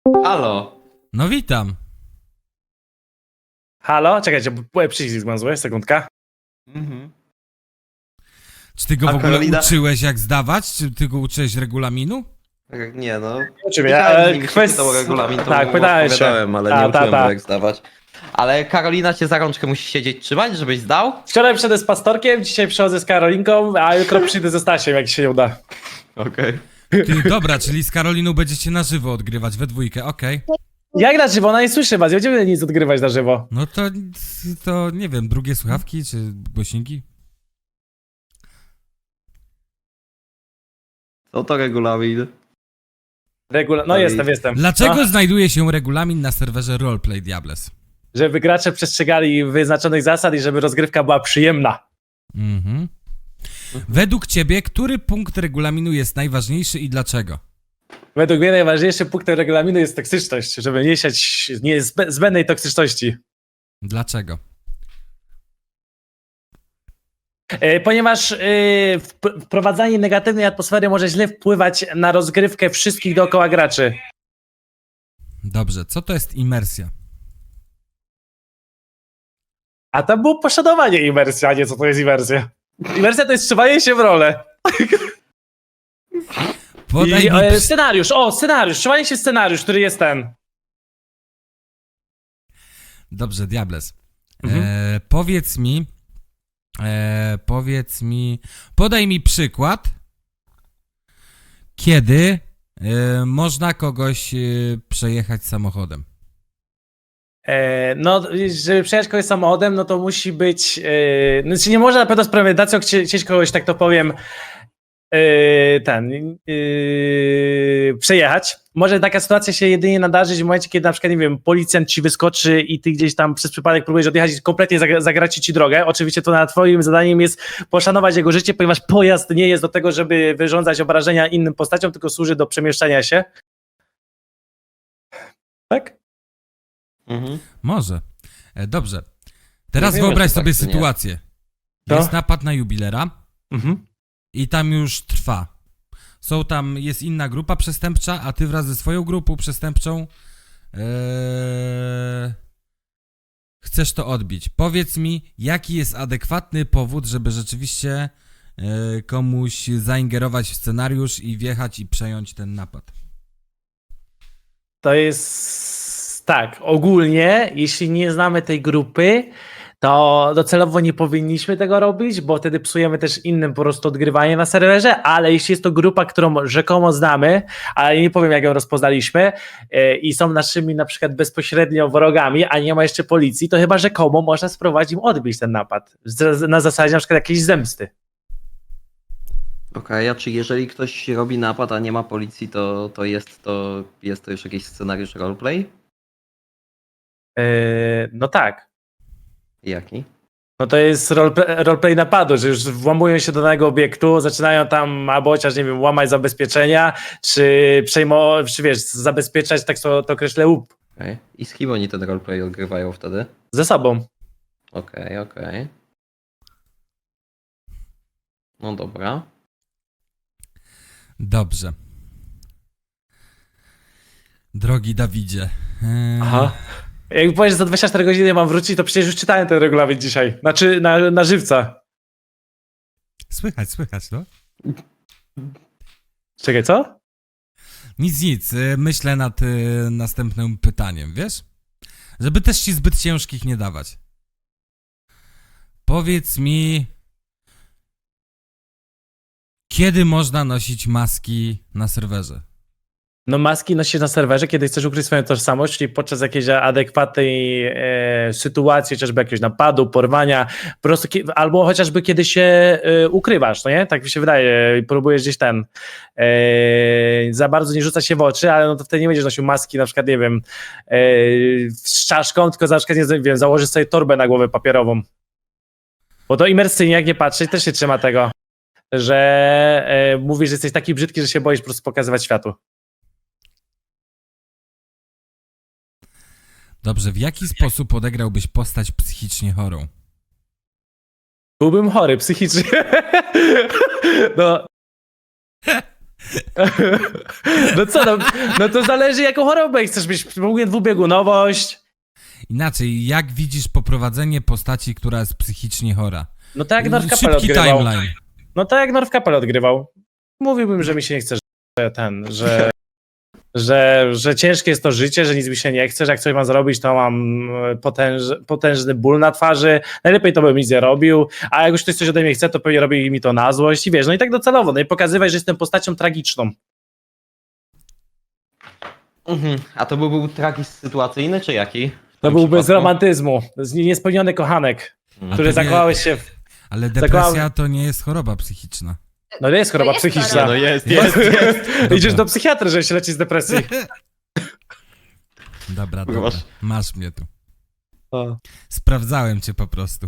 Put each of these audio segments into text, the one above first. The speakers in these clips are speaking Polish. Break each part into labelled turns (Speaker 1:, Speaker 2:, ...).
Speaker 1: Halo.
Speaker 2: No witam.
Speaker 3: Halo? Czekajcie, bo przycisk mam zły, sekundka.
Speaker 1: Mhm.
Speaker 2: Czy ty go
Speaker 1: A
Speaker 2: w ogóle
Speaker 1: Karolina?
Speaker 2: uczyłeś jak zdawać? Czy ty go uczyłeś regulaminu?
Speaker 1: Nie no.
Speaker 3: Oczywiście,
Speaker 1: Pytał o regulamin, to
Speaker 3: tak,
Speaker 1: mu
Speaker 3: pytałem się.
Speaker 1: odpowiadałem, ale
Speaker 3: Ta,
Speaker 1: nie uczyłem
Speaker 3: ta.
Speaker 1: go jak zdawać. Ale Karolina cię za rączkę musi siedzieć trzymać, żebyś zdał?
Speaker 3: Wczoraj przyszedłem z pastorkiem, dzisiaj przychodzę z Karolinką, a jutro przyjdę ze Stasiem, jak się nie uda.
Speaker 1: Okej.
Speaker 2: Ty, dobra, czyli z Karoliną będziecie na żywo odgrywać we dwójkę, okej.
Speaker 3: Jak na żywo? Ona nie słyszy was, nie będziemy nic odgrywać na żywo.
Speaker 2: No to nie wiem, drugie słuchawki czy głośniki?
Speaker 1: Co to regulamin?
Speaker 3: No
Speaker 1: Dalej.
Speaker 3: jestem.
Speaker 2: Dlaczego
Speaker 3: No,
Speaker 2: znajduje się regulamin na serwerze Roleplay Diables?
Speaker 3: żeby gracze przestrzegali wyznaczonych zasad i żeby rozgrywka była przyjemna.
Speaker 2: Mhm. Według ciebie, który punkt regulaminu jest najważniejszy i dlaczego?
Speaker 3: Według mnie najważniejszym punktem regulaminu jest toksyczność, żeby nie siać zbędnej toksyczności.
Speaker 2: Dlaczego?
Speaker 3: Ponieważ wprowadzanie negatywnej atmosfery może źle wpływać na rozgrywkę wszystkich dookoła graczy.
Speaker 2: Dobrze, co to jest imersja?
Speaker 3: A tam było poszanowanie imersji, a nie co to jest imersja. Imersja to jest wstrzymanie się w rolę.
Speaker 2: Podaj
Speaker 3: I
Speaker 2: mi
Speaker 3: scenariusz, wstrzymanie się w scenariusz, który jest ten.
Speaker 2: Dobrze, Diables.
Speaker 3: Mhm.
Speaker 2: Powiedz mi, podaj mi przykład, kiedy można kogoś przejechać samochodem.
Speaker 3: No, żeby przejechać kogoś samochodem, no to musi być. Znaczy nie można na pewno z premedytacją chcieć kogoś, tak to powiem, przejechać. Może taka sytuacja się jedynie nadarzyć w momencie, kiedy na przykład, nie wiem, policjant ci wyskoczy i ty gdzieś tam przez przypadek próbujesz odjechać i kompletnie zagraci ci drogę. Oczywiście to na twoim zadaniem jest poszanować jego życie, ponieważ pojazd nie jest do tego, żeby wyrządzać obrażenia innym postaciom, tylko służy do przemieszczania się. Tak?
Speaker 1: Mhm.
Speaker 2: Może. Dobrze. Teraz
Speaker 1: Nie wiemy,
Speaker 2: wyobraź
Speaker 1: czy tak,
Speaker 2: sobie
Speaker 1: czy nie.
Speaker 2: sytuację.
Speaker 3: No.
Speaker 2: Jest napad na jubilera
Speaker 3: Mhm.
Speaker 2: i tam już trwa. Jest inna grupa przestępcza, a ty wraz ze swoją grupą przestępczą chcesz to odbić. Powiedz mi, jaki jest adekwatny powód, żeby rzeczywiście komuś zaingerować w scenariusz i wjechać i przejąć ten napad.
Speaker 3: To jest tak, ogólnie, jeśli nie znamy tej grupy, to docelowo nie powinniśmy tego robić, bo wtedy psujemy też innym po prostu odgrywanie na serwerze, ale jeśli jest to grupa, którą rzekomo znamy, ale nie powiem jak ją rozpoznaliśmy i są naszymi na przykład bezpośrednio wrogami, a nie ma jeszcze policji, to chyba rzekomo można spróbować im odbić ten napad. Na zasadzie na przykład jakiejś zemsty.
Speaker 1: Okej, a czy jeżeli ktoś robi napad, a nie ma policji, to jest to już jakiś scenariusz roleplay?
Speaker 3: No tak.
Speaker 1: Jaki?
Speaker 3: No to jest roleplay napadu, że już włamują się do danego obiektu, zaczynają tam albo chociaż, nie wiem, łamać zabezpieczenia, czy wiesz, zabezpieczać, tak to określę, łup
Speaker 1: Okej. I z kim oni ten roleplay odgrywają wtedy?
Speaker 3: ze sobą.
Speaker 1: Okej. No dobra.
Speaker 2: Dobrze. Drogi Dawidzie.
Speaker 3: Aha. Jak powiesz, że za 24 godziny mam wrócić, to przecież już czytałem ten regulamin dzisiaj. Znaczy na żywca.
Speaker 2: Słychać, no.
Speaker 3: Czekaj, co?
Speaker 2: Nic. Myślę nad następnym pytaniem, wiesz? Żeby też ci zbyt ciężkich nie dawać. Powiedz mi, kiedy można nosić maski na serwerze?
Speaker 3: No maski nosisz na serwerze, kiedy chcesz ukryć swoją tożsamość, czyli podczas jakiejś adekwatnej sytuacji, chociażby jakiegoś napadu, porwania, po prostu, albo chociażby kiedy się ukrywasz, no nie? Tak mi się wydaje, próbujesz gdzieś za bardzo nie rzucać się w oczy, ale no to wtedy nie będziesz nosił maski, na przykład, nie wiem, z czaszką, tylko na przykład, nie wiem, założysz sobie torbę na głowę papierową. Bo to imersyjnie, jak nie patrzeć, też się trzyma tego, że mówisz, że jesteś taki brzydki, że się boisz po prostu pokazywać światu.
Speaker 2: Dobrze, w jaki sposób odegrałbyś postać psychicznie chorą?
Speaker 3: Byłbym chory psychicznie. No. No co, no to zależy jaką chorobę chcesz mieć. Mówię dwubiegunowość.
Speaker 2: Inaczej, jak widzisz poprowadzenie postaci, która jest psychicznie chora?
Speaker 3: No tak jak North Capel
Speaker 2: Szybki
Speaker 3: odgrywał.
Speaker 2: timeline.
Speaker 3: No tak jak North Capel odgrywał. Mówiłbym, że mi się nie chce, że ciężkie jest to życie, że nic mi się nie chce, że jak coś mam zrobić, to mam potężny ból na twarzy. Najlepiej to bym nic nie robił, a jak już ktoś coś ode mnie chce, to pewnie robi mi to na złość i wiesz, no i tak docelowo, no i pokazywać, że jestem postacią tragiczną.
Speaker 1: A to był tragizm sytuacyjny, czy jaki?
Speaker 3: To byłby z romantyzmu, z niespełniony kochanek, który
Speaker 2: to
Speaker 3: zakochałeś się w...
Speaker 2: Ale depresja to nie jest choroba psychiczna.
Speaker 3: No nie jest choroba
Speaker 4: jest
Speaker 3: psychiczna.
Speaker 4: choroba.
Speaker 1: jest.
Speaker 3: Idziesz do psychiatry, żeby się leczyć z depresji.
Speaker 2: Dobra,
Speaker 1: Kurwa.
Speaker 2: dobra. Masz mnie tu. Sprawdzałem cię po prostu.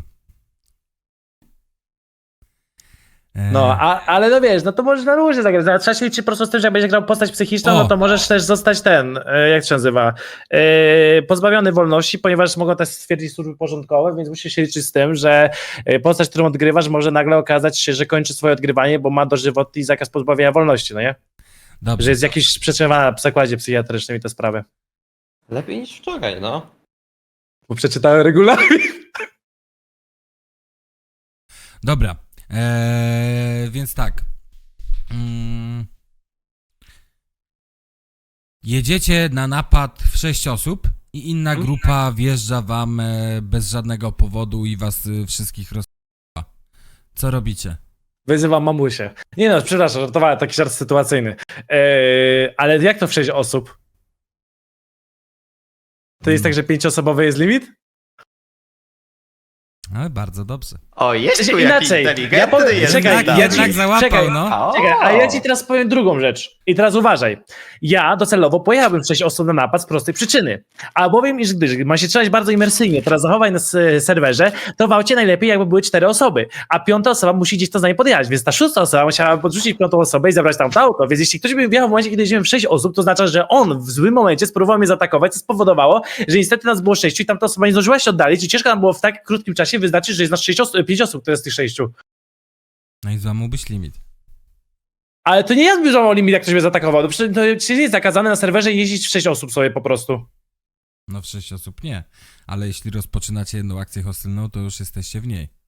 Speaker 3: No, ale no wiesz, no to możesz na różnie zagrać. No, trzeba się liczyć po prostu z tym, że jak będziesz grał postać psychiczną,
Speaker 2: O!
Speaker 3: no to możesz też zostać jak to się nazywa, pozbawiony wolności, ponieważ mogą też stwierdzić służby porządkowe, więc musisz się liczyć z tym, że postać, którą odgrywasz, może nagle okazać się, że kończy swoje odgrywanie, bo ma dożywotni zakaz pozbawienia wolności, no nie?
Speaker 2: Dobrze.
Speaker 3: Że jest jakiś przetrzymana w zakładzie psychiatrycznym i te sprawy.
Speaker 1: Lepiej niż wczoraj, no.
Speaker 3: Bo przeczytałem regulamin.
Speaker 2: Dobra. Więc tak. Jedziecie na napad w 6 osób i inna grupa wjeżdża wam bez żadnego powodu i was wszystkich rozpala. Co robicie?
Speaker 3: Wyzywam mamusię. Nie no, przepraszam, żartowałem, taki żart sytuacyjny. Ale jak to w 6 osób? To jest tak, że 5-osobowy jest limit?
Speaker 2: Ale bardzo dobrze.
Speaker 1: O, jest tu
Speaker 3: Inaczej.
Speaker 1: jakiś
Speaker 3: Ja
Speaker 1: inteligentny
Speaker 3: powiem-
Speaker 1: jest.
Speaker 3: czekaj,
Speaker 1: tam.
Speaker 2: Jednak załapał,
Speaker 3: czekaj.
Speaker 2: no.
Speaker 1: O!
Speaker 3: Czekaj, a ja ci teraz powiem drugą rzecz. I teraz uważaj. Ja docelowo pojechałbym w 6 osób na napad z prostej przyczyny. Albowiem, iż gdyż ma się trzymać bardzo imersyjnie, teraz zachowań na serwerze, to w aucie najlepiej jakby były 4 osoby, a 5. osoba musi gdzieś to za nie podjechać, więc ta 6. osoba musiała podrzucić 5. osobę i zabrać tam to auto, więc jeśli ktoś by wjechał w momencie, kiedy jeździłem w 6 osób, to oznacza, że on w złym momencie spróbował mnie zaatakować, co spowodowało, że niestety nas było 6 i tamta osoba nie zdążyła się oddalić i ciężko nam było w tak krótkim czasie wyznaczyć, że jest nas 5 osób, to jest tych 6.
Speaker 2: No i złamałbyś limit.
Speaker 3: Ale to nie ja zbliżam limit, jak ktoś mnie zaatakował. To przecież to nie jest zakazane na serwerze jeździć w 6 osób sobie po prostu.
Speaker 2: No w 6 osób nie. Ale jeśli rozpoczynacie jedną akcję hostylną, to już jesteście w niej.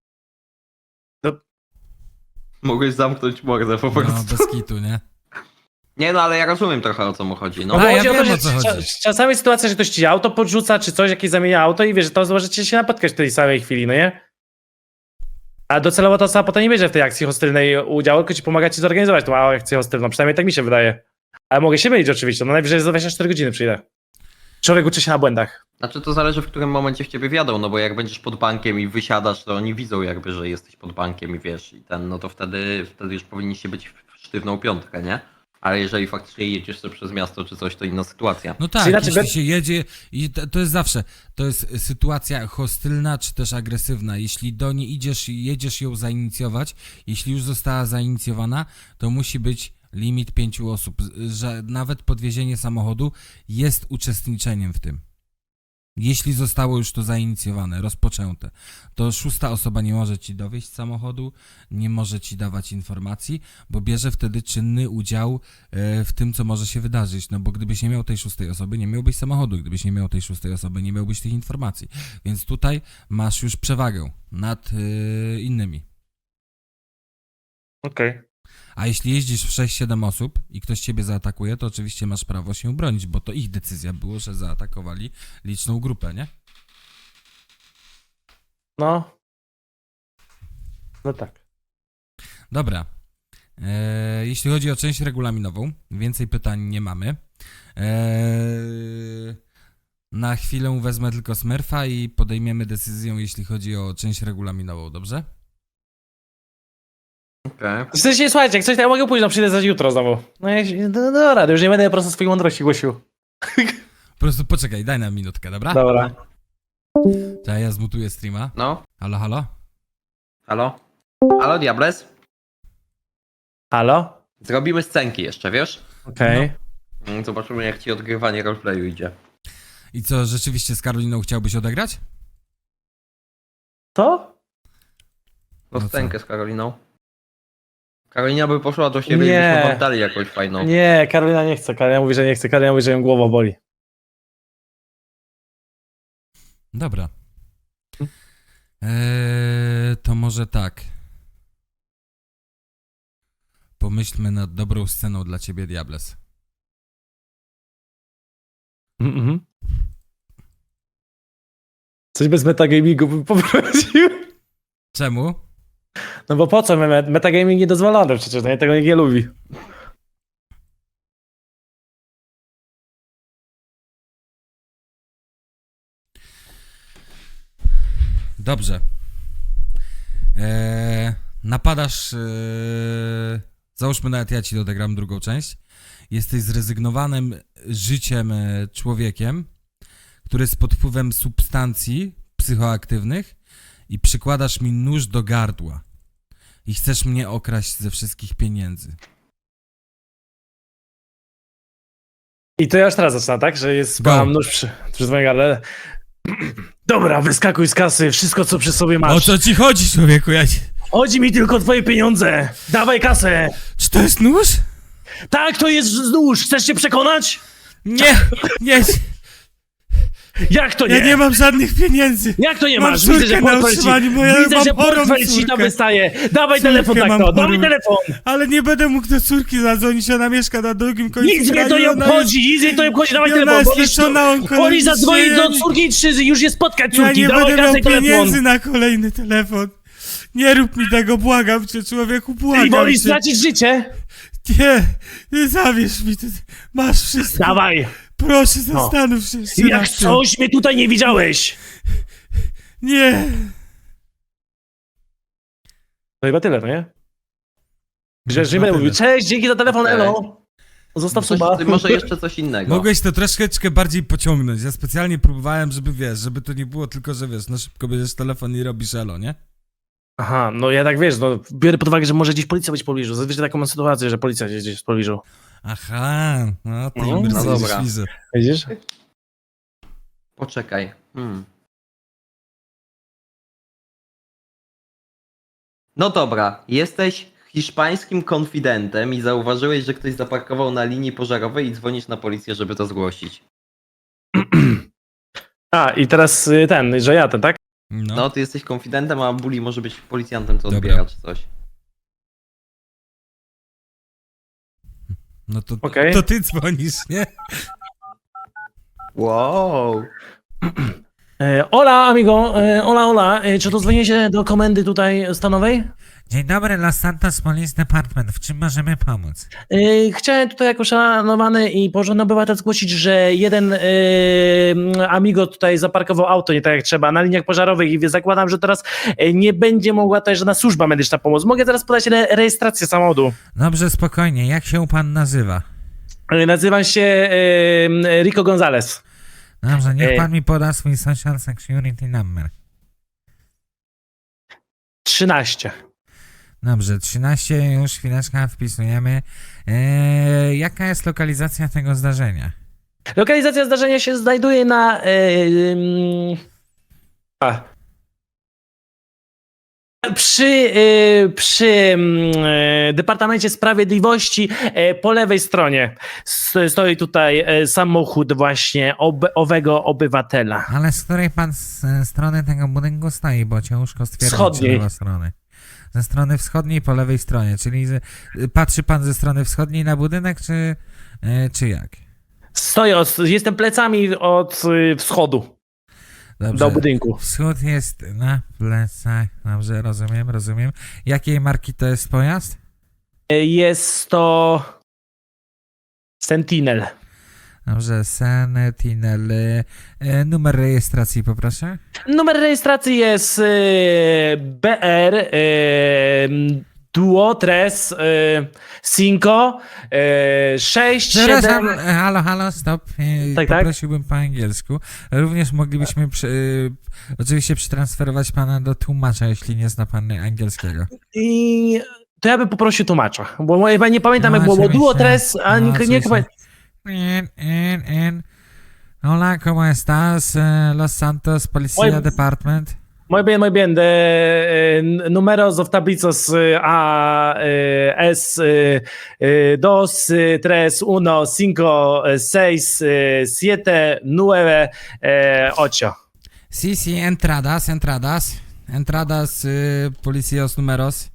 Speaker 1: Mogłeś zamknąć mordę po
Speaker 2: No
Speaker 1: prostu.
Speaker 2: bez kitu, nie?
Speaker 1: Nie no, ale ja rozumiem trochę o co mu chodzi. No,
Speaker 2: A,
Speaker 3: bo
Speaker 2: ja
Speaker 3: chodzi o to,
Speaker 2: wiem,
Speaker 3: że
Speaker 2: o co chodzi.
Speaker 3: Czasami jest sytuacja, że ktoś ci auto podrzuca, czy coś, jakieś zamienia auto i wiesz, że to możecie się napotkać w tej samej chwili, no nie? A docelowo ta osoba potem nie bierze w tej akcji hostylnej udziału, tylko ci pomaga ci zorganizować tą akcję hostylną. Przynajmniej tak mi się wydaje. Ale mogę się mylić oczywiście, no najwyżej za 24 godziny przyjdę. Człowiek uczy się na błędach.
Speaker 1: Znaczy to zależy w którym momencie w ciebie wjadą, no bo jak będziesz pod bankiem i wysiadasz, to oni widzą jakby, że jesteś pod bankiem i wiesz, i no to wtedy już powinniście być w sztywną piątkę, nie? Ale jeżeli faktycznie jedziesz sobie przez miasto czy coś, to inna sytuacja.
Speaker 2: No tak,
Speaker 3: Czyli znaczy,
Speaker 2: jeśli się jedzie i to jest zawsze, to jest sytuacja hostylna czy też agresywna. Jeśli do niej idziesz i jedziesz ją zainicjować, jeśli już została zainicjowana, to musi być limit 5 osób, że nawet podwiezienie samochodu jest uczestniczeniem w tym. Jeśli zostało już to zainicjowane, rozpoczęte, to 6. osoba nie może ci dowieść samochodu, nie może ci dawać informacji, bo bierze wtedy czynny udział w tym, co może się wydarzyć. No bo gdybyś nie miał tej 6. osoby, nie miałbyś samochodu. Gdybyś nie miał tej 6. osoby, nie miałbyś tych informacji. Więc tutaj masz już przewagę nad innymi.
Speaker 3: Okej.
Speaker 2: A jeśli jeździsz w 6-7 osób i ktoś ciebie zaatakuje, to oczywiście masz prawo się bronić, bo to ich decyzja było, że zaatakowali liczną grupę, nie?
Speaker 3: No. No tak.
Speaker 2: Dobra. Jeśli chodzi o część regulaminową, więcej pytań nie mamy. Na chwilę wezmę tylko Smurfa i podejmiemy decyzję, jeśli chodzi o część regulaminową, dobrze?
Speaker 1: Okej.
Speaker 3: W sensie, słuchajcie, jak coś, to ja mogę pójść, no przyjdę za jutro znowu. No dobra, już nie będę po prostu swojej mądrości głosił.
Speaker 2: Po prostu poczekaj, daj nam minutkę, dobra?
Speaker 3: Dobra.
Speaker 2: To ja zmutuję streama.
Speaker 1: No,
Speaker 2: Halo, halo?
Speaker 1: halo? Halo, Diables?
Speaker 3: Halo?
Speaker 1: Zrobimy scenki jeszcze, wiesz?
Speaker 3: Okej.
Speaker 1: Zobaczymy jak ci odgrywanie roleplayu idzie.
Speaker 2: I co, rzeczywiście z Karoliną chciałbyś odegrać?
Speaker 3: To?
Speaker 1: No
Speaker 2: No
Speaker 1: scenkę z Karoliną. Karolina by poszła do siebie
Speaker 3: Nie.
Speaker 1: i byśmy wam dali jakąś fajną.
Speaker 3: Nie, Karolina nie chce. Karolina mówi, że nie chce. Karolina mówi, że ją głowa boli.
Speaker 2: Dobra. To może tak. Pomyślmy nad dobrą sceną dla ciebie, Diables.
Speaker 3: Mhm. Coś bez metagamingu bym poprosił.
Speaker 2: Czemu?
Speaker 3: No bo po co? Metagaming niedozwolony przecież, no ja tego nikt nie lubi.
Speaker 2: Dobrze. Napadasz. Załóżmy, nawet ja ci dodegram drugą część. Jesteś zrezygnowanym życiem człowiekiem, który jest pod wpływem substancji psychoaktywnych i przykładasz mi nóż do gardła. I chcesz mnie okraść ze wszystkich pieniędzy.
Speaker 3: I to ja już teraz zaczynam, tak? Że jest,
Speaker 2: Go.
Speaker 3: mam nóż przy swoim gardle. Dobra, wyskakuj z kasy, wszystko co przy sobie
Speaker 2: O
Speaker 3: masz.
Speaker 2: co ci chodzi, człowieku?
Speaker 3: Chodzi mi tylko o twoje pieniądze. Dawaj kasę.
Speaker 2: Czy to jest nóż?
Speaker 3: Tak, to jest nóż. Chcesz się przekonać?
Speaker 2: Nie, nie,
Speaker 3: Jak to nie?
Speaker 2: ja nie mam żadnych pieniędzy.
Speaker 3: Jak to nie
Speaker 2: Mam
Speaker 3: masz?
Speaker 2: córkę
Speaker 3: Widzę, że
Speaker 2: na
Speaker 3: portfel ci,
Speaker 2: utrzymaniu, bo ja
Speaker 3: widzę,
Speaker 2: mam
Speaker 3: że
Speaker 2: chorą
Speaker 3: portfel ci tam
Speaker 2: córkę.
Speaker 3: wystaje. Dawaj
Speaker 2: Córkę
Speaker 3: telefon tak
Speaker 2: mam
Speaker 3: to, dawaj
Speaker 2: chorą.
Speaker 3: telefon.
Speaker 2: Ale nie będę mógł do córki zadzwonić, ona mieszka na drugim końcu
Speaker 3: Nic mnie
Speaker 2: kraju,
Speaker 3: to nie
Speaker 2: ona
Speaker 3: obchodzi, nic mnie to nie obchodzi, dawaj
Speaker 2: i ona
Speaker 3: telefon.
Speaker 2: jest
Speaker 3: Możesz
Speaker 2: leczona onkologicznie,
Speaker 3: Oni zadzwonić
Speaker 2: ja
Speaker 3: do
Speaker 2: nie-
Speaker 3: córki i już je spotkać
Speaker 2: Ja
Speaker 3: córki,
Speaker 2: nie
Speaker 3: dawaj
Speaker 2: będę miał
Speaker 3: kasę i telefon.
Speaker 2: pieniędzy na kolejny telefon. Nie rób mi tego, błagam cię, człowieku,
Speaker 3: I
Speaker 2: błagam
Speaker 3: wolisz
Speaker 2: cię.
Speaker 3: stracić życie?
Speaker 2: Nie zawierz mi, ty masz wszystko.
Speaker 3: Dawaj.
Speaker 2: Proszę, zastanów się jeszcze
Speaker 3: Jak
Speaker 2: raz.
Speaker 3: coś mnie tutaj nie widziałeś.
Speaker 2: Nie.
Speaker 3: To chyba tyle, no nie? Grzesz, nie
Speaker 2: Chyba
Speaker 3: będę mówił,
Speaker 2: tyle.
Speaker 3: cześć, dzięki za telefon,
Speaker 1: Okej.
Speaker 3: elo. Zostaw suba.
Speaker 1: Może jeszcze coś innego.
Speaker 2: Mogłeś to troszeczkę bardziej pociągnąć. Ja specjalnie próbowałem, żeby wiesz, żeby to nie było tylko, że wiesz, no szybko bierzesz telefon i robisz elo, nie?
Speaker 3: Aha, no ja tak wiesz, no biorę pod uwagę, że może gdzieś policja być w pobliżu. Zazwyczaj taką mam sytuację, że policja jest gdzieś w pobliżu.
Speaker 2: Aha, no ty
Speaker 3: No,
Speaker 2: no
Speaker 1: dobra.
Speaker 3: Widzisz?
Speaker 1: Poczekaj. No dobra, jesteś hiszpańskim konfidentem i zauważyłeś, że ktoś zaparkował na linii pożarowej i dzwonisz na policję, żeby to zgłosić.
Speaker 3: A, i teraz że ja ten, tak?
Speaker 1: No, ty jesteś konfidentem, a Bully może być policjantem, co
Speaker 2: Dobra.
Speaker 1: odbiera czy coś.
Speaker 2: No to,
Speaker 3: Okej.
Speaker 2: to ty dzwonisz, nie?
Speaker 1: Wow.
Speaker 3: Hola, amigo, hola. Czy to dzwonię się do komendy tutaj stanowej?
Speaker 2: Dzień dobry, Los Santos Police Department. W czym możemy pomóc?
Speaker 3: Chciałem tutaj jako szanowany i porządny obywatel zgłosić, że jeden amigo tutaj zaparkował auto nie tak jak trzeba na liniach pożarowych i zakładam, że teraz nie będzie mogła tutaj żadna służba medyczna pomóc. Mogę teraz podać rejestrację samochodu.
Speaker 2: Dobrze, spokojnie. Jak się pan nazywa?
Speaker 3: Nazywam się Rico Gonzalez.
Speaker 2: Dobrze, niech
Speaker 3: Ej.
Speaker 2: pan mi poda swój social security number.
Speaker 3: 13.
Speaker 2: Dobrze, 13, już chwileczkę wpisujemy. Jaka jest lokalizacja tego zdarzenia?
Speaker 3: Lokalizacja zdarzenia się znajduje na przy Departamencie Sprawiedliwości po lewej stronie stoi tutaj samochód właśnie owego obywatela.
Speaker 2: Ale z której pan strony tego budynku stoi, bo ciężko stwierdzić,
Speaker 3: Wschodniej.
Speaker 2: czy lewa strony. Ze strony wschodniej po lewej stronie, czyli patrzy pan ze strony wschodniej na budynek, czy jak?
Speaker 3: Stoję, jestem plecami od wschodu
Speaker 2: Dobrze.
Speaker 3: do budynku.
Speaker 2: Wschód jest na plecach. Dobrze, rozumiem. Jakiej marki to jest pojazd?
Speaker 3: Jest to Sentinel.
Speaker 2: Dobrze, Sentinel. Numer rejestracji poproszę.
Speaker 3: Numer rejestracji jest BR Duo Tres Cinco 6
Speaker 2: Przepraszam,
Speaker 3: 7.
Speaker 2: halo, stop.
Speaker 3: Tak, tak.
Speaker 2: Poprosiłbym po angielsku. Również moglibyśmy oczywiście przetransferować pana do tłumacza, jeśli nie zna pan angielskiego.
Speaker 3: I to ja bym poprosił tłumacza, bo ja nie pamiętam jak było, bo Duo Tres, a nie
Speaker 2: oczywiście. Hola, ¿cómo estás? Los Santos Policía
Speaker 3: Oj.
Speaker 2: Department.
Speaker 3: Muy bien. Números of tablicos A, S, 2, 3, 1, 5, 6, 7, 9, 8.
Speaker 2: Sí, sí, entradas. Entradas, policías números.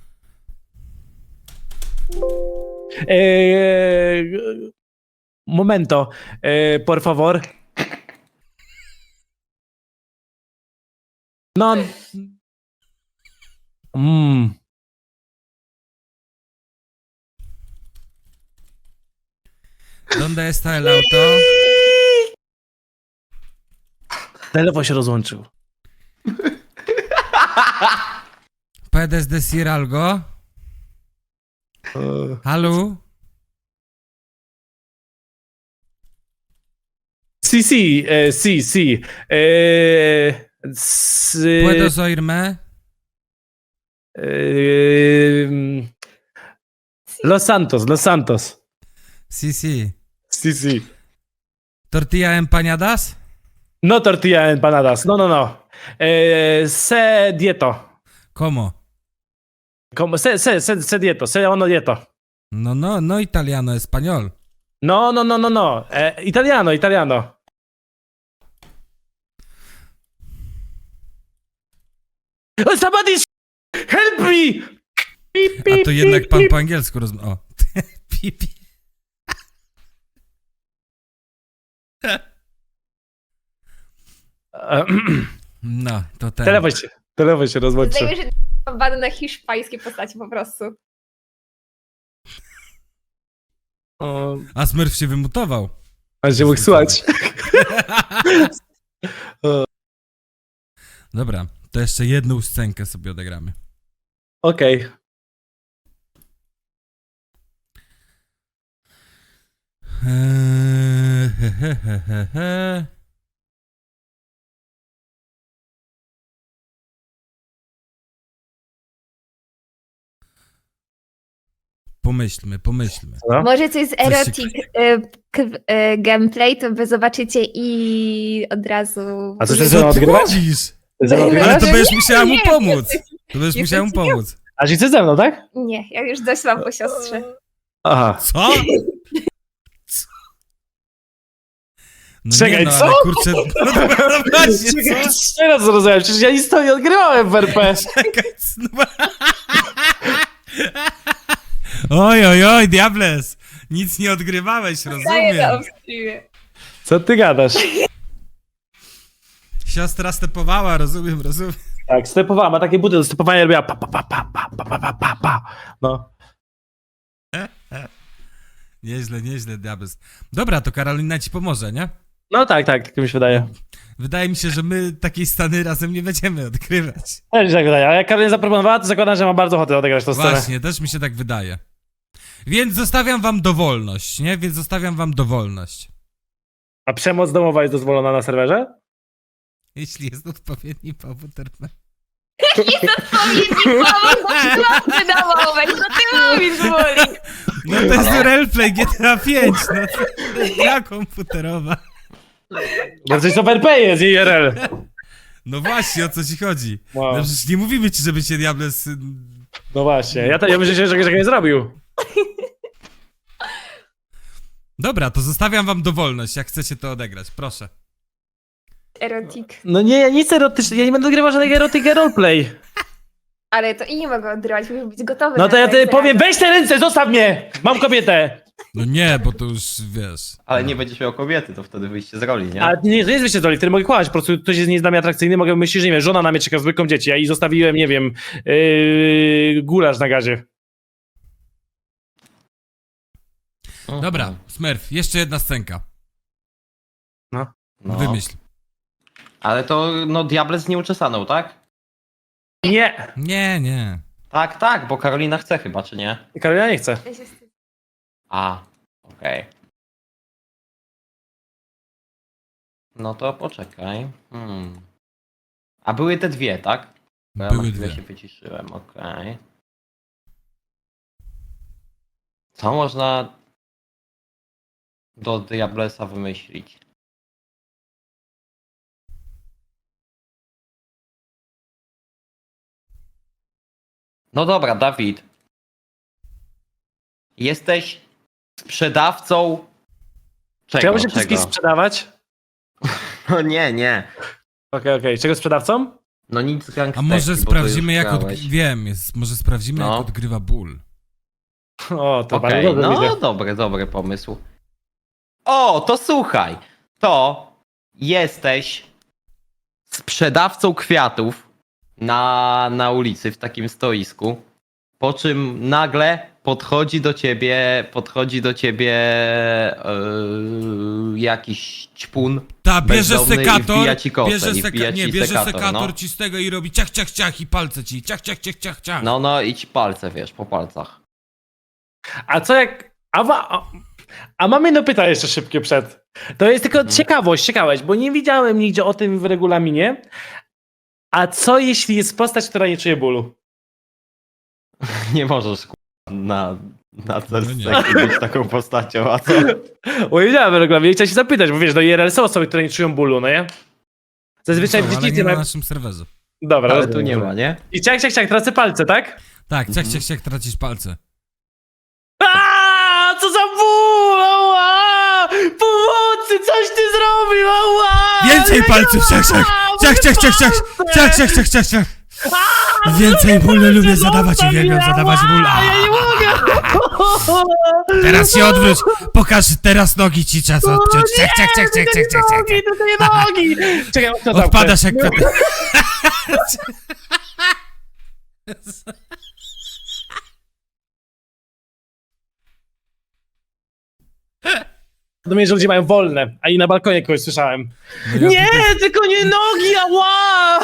Speaker 3: Momento, por favor. No.
Speaker 2: ¿Dónde está el auto?
Speaker 3: Telefon się rozłączył.
Speaker 2: ¿Puedes decir algo? Halo?
Speaker 3: Sí.
Speaker 2: ¿Puedes oírme?
Speaker 3: Los Santos.
Speaker 2: Sí, sí.
Speaker 3: Sí.
Speaker 2: ¿Tortilla empanadas?
Speaker 3: No tortilla empanadas. No. Se dieto.
Speaker 2: ¿Cómo?
Speaker 3: Como se dieto. Se ono dieto.
Speaker 2: No italiano, español.
Speaker 3: No. Italiano. Oh, somebody help me!
Speaker 2: A to jednak pan po angielsku rozmawia. O. Pipi. No, to ten.
Speaker 3: Telefon się rozłączył.
Speaker 4: Zdajemy, że bany na hiszpańskie postaci po prostu.
Speaker 3: O,
Speaker 2: A Smurf się wymutował.
Speaker 3: a się mógł słuchać.
Speaker 2: Dobra, to jeszcze jedną scenkę sobie odegramy.
Speaker 3: Okej.
Speaker 2: He. Pomyślmy.
Speaker 3: Co?
Speaker 4: Może coś z
Speaker 2: Coś się-
Speaker 4: erotic gameplay, to wy zobaczycie i od razu...
Speaker 3: A co
Speaker 2: Co
Speaker 3: ty
Speaker 2: ty
Speaker 3: odgrywać?
Speaker 2: chodzisz?
Speaker 3: Ze mną
Speaker 2: Ale
Speaker 3: odgrywasz?
Speaker 2: to będziesz musiała mu
Speaker 4: Nie,
Speaker 2: pomóc.
Speaker 4: jesteś-
Speaker 2: To będziesz
Speaker 4: jesteś
Speaker 2: musiała mu pomóc.
Speaker 3: A czy chcesz ze mną, tak?
Speaker 4: Nie, ja już dość mam po siostrze.
Speaker 3: Aha.
Speaker 2: Co? Co? No
Speaker 3: Czekaj,
Speaker 2: nie, no,
Speaker 3: co?
Speaker 2: ale kurczę, no właśnie,
Speaker 3: Czekaj,
Speaker 2: co?
Speaker 3: teraz zrozumiałem, przecież ja nic to nie odgrywałem w RP.
Speaker 2: Czekaj, no. Oj, Diables! Nic nie odgrywałeś,
Speaker 4: Daję
Speaker 2: rozumiem.
Speaker 4: na streamie.
Speaker 3: Co ty gadasz?
Speaker 2: Siostra stepowała, rozumiem.
Speaker 3: Tak, stepowała, ma takie buty do stepowania, robiła pa. No.
Speaker 2: Nieźle, Diables. Dobra, to Karolina ci pomoże, nie?
Speaker 3: No tak mi się wydaje.
Speaker 2: Wydaje mi się, że my takiej stany razem nie będziemy odgrywać.
Speaker 3: Też mi się tak wydaje, a jak Karolina zaproponowała, to zakładam, że ma bardzo ochotę odegrać tę scenę.
Speaker 2: Właśnie, też mi się tak wydaje. Więc zostawiam wam dowolność, nie?
Speaker 3: A przemoc domowa jest dozwolona na serwerze?
Speaker 2: Jeśli jest odpowiedni powód RP.
Speaker 4: Wydawało, co ty mówisz, Woli?
Speaker 2: No to jest roleplay GTA 5, no to jest gra komputerowa.
Speaker 3: Bo coś to w RP jest, IRL.
Speaker 2: No właśnie, o co ci chodzi?
Speaker 3: Wow.
Speaker 2: No przecież nie mówimy ci, żeby cię Diables...
Speaker 3: No właśnie, ja myślę, że nie zrobił.
Speaker 2: Dobra, to zostawiam wam dowolność, jak chcecie to odegrać, proszę.
Speaker 4: Erotic.
Speaker 3: No nie, nic erotycznego, ja nie będę odgrywał żadnego erotyka roleplay.
Speaker 4: Ale to i nie mogę odrywać, muszę być gotowy.
Speaker 3: No
Speaker 4: na
Speaker 3: to ja
Speaker 4: twoje
Speaker 3: ty powiem,
Speaker 4: zrady.
Speaker 3: weź te ręce, zostaw mnie! Mam kobietę!
Speaker 2: No nie, bo to już, wiesz...
Speaker 1: Ale nie będziesz miał kobiety, to wtedy wyjście z roli, nie?
Speaker 3: A nie, to jest wyjście z roli, wtedy mogę kłamać, po prostu ktoś jest nie jest dla mnie atrakcyjny, mogę myśleć, że nie wiem, żona na mnie czeka z dwójką dzieci, ja i zostawiłem, nie wiem, gulasz na gazie.
Speaker 2: Dobra, Smurf, jeszcze jedna scenka.
Speaker 1: No.
Speaker 2: Wymyśl.
Speaker 1: Ale to, no, Diables nie uczesaną, tak?
Speaker 3: Nie!
Speaker 2: Nie.
Speaker 1: Tak, bo Karolina chce chyba, czy nie?
Speaker 3: Karolina nie chce.
Speaker 4: Ja się wstydzę.
Speaker 1: A, okej. No to poczekaj. A były te dwie, tak? Bo ja
Speaker 2: Były
Speaker 1: na chwilę
Speaker 2: dwie.
Speaker 1: się wyciszyłem, okej. Co można do Diablesa wymyślić? No dobra, Dawid. Jesteś sprzedawcą.
Speaker 3: Chciałbym się
Speaker 1: Czego?
Speaker 3: wszystkich sprzedawać?
Speaker 1: No nie.
Speaker 3: Okej. Czego sprzedawcą?
Speaker 1: No nic z
Speaker 2: A
Speaker 1: gangsterki,
Speaker 2: może
Speaker 1: bo to
Speaker 2: sprawdzimy,
Speaker 1: już
Speaker 2: jak
Speaker 1: grałeś.
Speaker 2: wiem, może sprawdzimy,
Speaker 1: No.
Speaker 2: jak odgrywa ból.
Speaker 3: O, to
Speaker 1: Okej,
Speaker 3: bardzo dobrze
Speaker 1: no
Speaker 3: widzę.
Speaker 1: dobry pomysł. O, to słuchaj. To jesteś sprzedawcą kwiatów na ulicy w takim stoisku. Po czym nagle podchodzi do ciebie jakiś ćpun.
Speaker 2: Ta, bierze
Speaker 1: bezdomny i
Speaker 2: sekator,
Speaker 1: wbija ci kosę,
Speaker 2: bierze,
Speaker 1: i wbija ci
Speaker 2: bierze
Speaker 1: sekator,
Speaker 2: sekator
Speaker 1: no.
Speaker 2: ci z tego i robi ciach, ciach, ciach i palce ci, ciach, ciach, ciach, ciach, ciach.
Speaker 1: No i ci palce, wiesz, po palcach.
Speaker 3: A co jak... A mam jedno pytanie jeszcze szybkie przed. To jest tylko ciekawość, bo nie widziałem nigdzie o tym w regulaminie. A co jeśli jest postać, która nie czuje bólu?
Speaker 1: Nie możesz na
Speaker 2: No nie.
Speaker 1: sekcji być taką postacią, a co?
Speaker 3: Bo nie widziałem w regulaminie, chciałem się zapytać, bo wiesz, no IRL są osoby, które nie czują bólu, no nie? Zazwyczaj
Speaker 2: No, ale
Speaker 3: przeciwnie
Speaker 2: nie na
Speaker 3: mają...
Speaker 2: naszym serwerze.
Speaker 3: Dobra,
Speaker 1: Ale
Speaker 3: rozumiem.
Speaker 1: tu nie ma, nie?
Speaker 3: I ciach, tracę palce, tak?
Speaker 2: Tak, ciach, ciach, ciach, tracisz palce.
Speaker 3: Aaaa, co za ból! Ała! Pomocy, coś ty zrobił! Ała!
Speaker 2: Więcej palców, ciach, ciach, ciach, ciach, ciach, ciach, ciach, ciach, ciach, ciach, ciach. Więcej bólu lubię zadawać, uwielbiam zadawać ból.
Speaker 3: Ja nie mogę!
Speaker 2: Teraz się odwróć, pokaż, teraz nogi ci czas odciąć. Ciach, ciach, ciach, ciach, ciach, ciach, ciach.
Speaker 3: Nogi, tylko nie nogi! Czekaj, to zamknę.
Speaker 2: Odpadasz jak kwiat.
Speaker 3: Do mnie, że ludzie mają wolne, a i na balkonie kogoś słyszałem.
Speaker 2: No ja
Speaker 3: Nie,
Speaker 2: tutaj-
Speaker 3: tylko nie nogi, ała!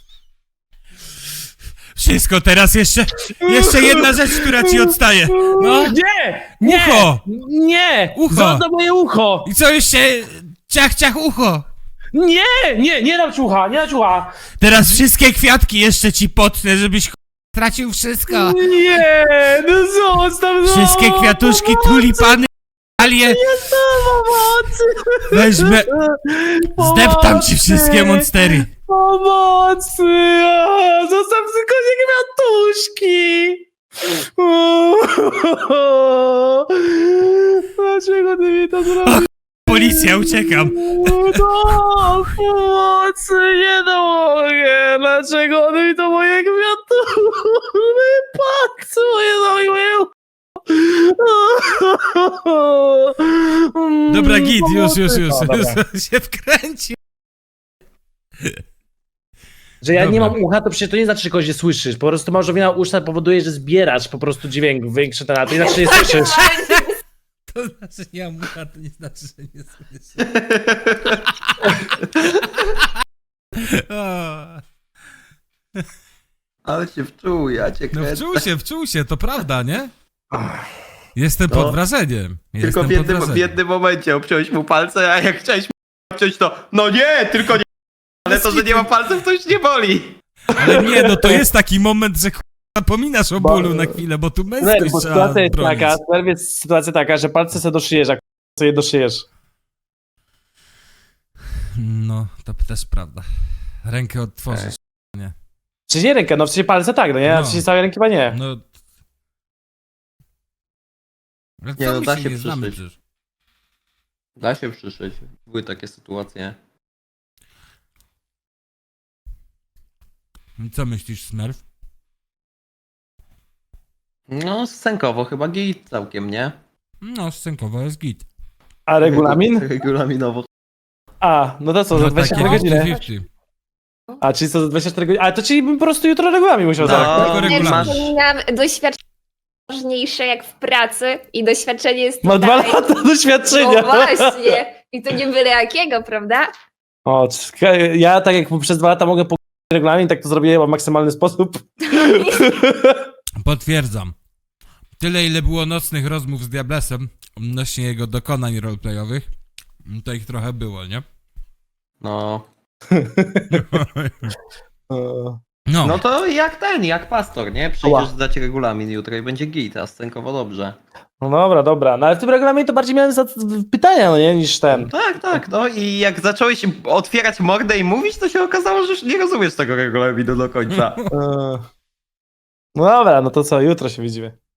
Speaker 2: Wszystko, teraz jeszcze jedna rzecz, która ci odstaje. No.
Speaker 3: Nie!
Speaker 2: Ucho!
Speaker 3: Nie!
Speaker 2: Ucho!
Speaker 3: Za moje ucho!
Speaker 2: I co jeszcze? Ciach, ciach, ucho.
Speaker 3: Nie dam ci ucha, nie dam ci ucha!
Speaker 2: Teraz wszystkie kwiatki jeszcze ci potnę, żebyś tracił wszystko.
Speaker 3: Nie, no zostaw,
Speaker 2: Wszystkie kwiatuszki, tulipany, alie.
Speaker 3: Pomocy!
Speaker 2: Weźmę, zdeptam ci wszystkie monstery.
Speaker 3: Pomocy! Zostaw tylko nie kwiatuszki! Dlaczego ty mi to zrobiłeś?
Speaker 2: Policja, uciekam.
Speaker 3: No, pomocy, nie mogę! Dlaczego one mi to moje kwiatuszki? Patrz, moje zrobiły!
Speaker 2: Dobra, git, już
Speaker 3: O, dobra.
Speaker 2: się wkręci.
Speaker 3: Że ja nie
Speaker 2: Dobra.
Speaker 3: mam ucha, to przecież to nie znaczy, że kogoś nie słyszysz. Po prostu małżowina uszna powoduje, że zbierasz po prostu dźwięk większy ten, a to nie znaczy, że nie słyszysz.
Speaker 2: To znaczy nie mam ucha, to nie znaczy, że nie słyszę. O,
Speaker 1: Ale się wczuł, ja cię
Speaker 2: no
Speaker 1: kręcę.
Speaker 2: wczuł się, to prawda, nie? Jestem
Speaker 1: No.
Speaker 2: pod wrażeniem.
Speaker 1: Tylko
Speaker 2: Jestem
Speaker 1: w
Speaker 2: pod
Speaker 1: jednym,
Speaker 2: wrażeniem.
Speaker 1: w jednym momencie obciąłeś mu palce, a jak chciałeś mu obciąć to no nie, tylko nie. Ale to, że nie ma palców, to już nie boli.
Speaker 2: Ale nie, no to jest taki moment, że zapominasz o bólu na chwilę, bo tu męskość
Speaker 3: Bo
Speaker 2: trzeba
Speaker 3: sytuacja jest
Speaker 2: bronić.
Speaker 3: taka, jest sytuacja taka, że palce sobie doszyjesz, jak sobie doszyjesz.
Speaker 2: No, to też prawda. Rękę odtworzysz.
Speaker 3: Czy nie rękę, no w sensie palce tak, no nie, a
Speaker 2: No.
Speaker 3: w sensie całej ręki chyba nie.
Speaker 2: No. Ale
Speaker 1: Nie,
Speaker 2: co
Speaker 1: no
Speaker 2: my
Speaker 1: da
Speaker 2: się
Speaker 1: się
Speaker 2: nie znamy
Speaker 1: przyszyć.
Speaker 2: przecież.
Speaker 1: Da się przyszyć. Były takie sytuacje.
Speaker 2: I co myślisz, Smurf?
Speaker 1: No, scenkowo chyba git całkiem, nie?
Speaker 2: No, scenkowo jest git.
Speaker 3: A regulamin?
Speaker 1: Regulaminowo.
Speaker 3: A, no to co, za
Speaker 2: No
Speaker 3: 24
Speaker 2: takie
Speaker 3: godziny?
Speaker 2: 50-50.
Speaker 3: A, czyli co, za 24 godziny? A, to czyli bym po prostu jutro regulamin musiał
Speaker 1: No.
Speaker 3: zaraz.
Speaker 2: Tylko
Speaker 4: Nie
Speaker 2: regulamin.
Speaker 4: wspominam, doświadczenie ważniejsze jak w pracy i doświadczenie jest
Speaker 3: Ma 2
Speaker 4: tutaj.
Speaker 3: lata doświadczenia.
Speaker 4: No właśnie. I to nie byle jakiego, prawda?
Speaker 3: O, ja tak jak przez 2 lata mogę pogodzić regulamin, tak to zrobiłem w maksymalny sposób.
Speaker 2: Potwierdzam. Tyle, ile było nocnych rozmów z Diablesem odnośnie jego dokonań roleplayowych, to ich trochę było, nie?
Speaker 1: No.
Speaker 2: No,
Speaker 1: No to jak pastor, nie? Przyjdziesz zdać regulamin jutro i będzie git, a scenkowo dobrze.
Speaker 3: No dobra. No ale w tym regulaminie to bardziej miałem pytania, no nie, niż ten.
Speaker 1: Tak, no i jak zacząłeś otwierać mordę i mówić, to się okazało, że już nie rozumiesz tego regulaminu do końca.
Speaker 3: No dobra, no to co, jutro się widzimy.